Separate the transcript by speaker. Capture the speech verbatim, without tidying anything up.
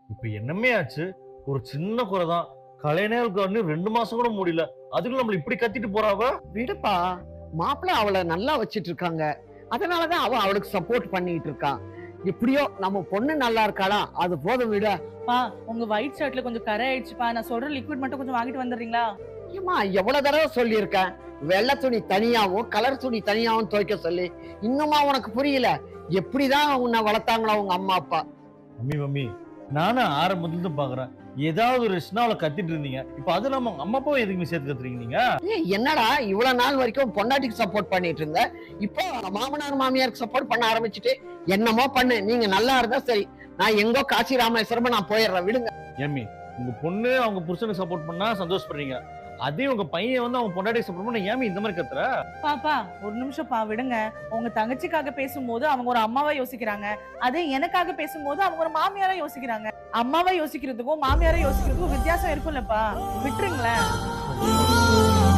Speaker 1: இப்ப என்னமே ஆச்சு? ஒரு சின்ன குறை தான். கல்யாணம் இன்னும் ரெண்டு மாசம் கூட முடியல. அதுக்குள்ள நம்மள இப்படி கத்திட்டு போறா அவ?
Speaker 2: விடுப்பா, மாப்பிள்ளை அவள நல்லா வச்சிட்டு இருக்காங்க. அதனாலதான் அவ அவளுக்கு சப்போர்ட் பண்ணிட்டு இருக்கான். எப்படியோ நம்ம பொண்ணு நல்லா இருக்காளா, அது போதும் விட.
Speaker 3: பா உங்க ஒயிட் ஷர்ட்ல கொஞ்சம் கரை ஆயிடுச்சுப்பா. நான் சொல்ற லிக்விட் மட்டும் கொஞ்சம் வாங்கிட்டு வந்துடுறீங்களா?
Speaker 2: ஏமா எவ்வளவு தடவை சொல்லியிருக்கேன், வெள்ளை துணி தனியாவும் கலர் துணி தனியாவும் துவைக்க சொல்லி. இன்னுமா உனக்கு புரியல? எப்படிதான் உன்னை வளர்த்தாங்களா உங்க அம்மா அப்பா?
Speaker 1: மம்மி மம்மி நானும் ஆரம்பத்துல இருந்து பாக்குறேன். ஏதாவது ஒரு விஷயம்னா அவளை கத்திட்டு இருந்தீங்க. இப்ப அது இல்லாம உங்க அம்மா அப்பாவை எதுக்குமே சேர்த்து கத்துறீங்க நீங்க?
Speaker 2: ஏய், என்னடா இவ்வளவு நாள் வரைக்கும் பொண்டாட்டிக்கு சப்போர்ட் பண்ணிட்டு இருந்த, இப்போ மாமனார் மாமியாருக்கு சப்போர்ட் பண்ண ஆரம்பிச்சுட்டு என்னமோ பண்ணு, நீங்க நல்லா இருந்தா சரி. நான் எங்கோ காசி ராமேஸ்வரமா நான் போயிடுறேன், விடுங்க.
Speaker 1: ஏமி உங்க பொண்ணு அவங்க புருஷனுக்கு சப்போர்ட் பண்ணா சந்தோஷப்படுறீங்க. அதே உங்க பையன் வந்து அவங்க பொண்டாட்டி சப்போர்ட் பண்ணா ஏமி இந்த மாதிரி கத்துற?
Speaker 3: பாப்பா ஒரு நிமிஷம் பா விடுங்க. உங்க தங்கச்சிக்காக பேசும்போது அவங்க ஒரு அம்மாவா யோசிக்கிறாங்க. அதே எனக்காக பேசும்போது அவங்க ஒரு மாமியாரா யோசிக்கிறாங்க. அம்மாவா யோசிக்கிறதுக்கும் மாமியாரா யோசிக்கிறதுக்கும் வித்தியாசம் இருக்கும்லப்பா, விட்டுருங்களேன்.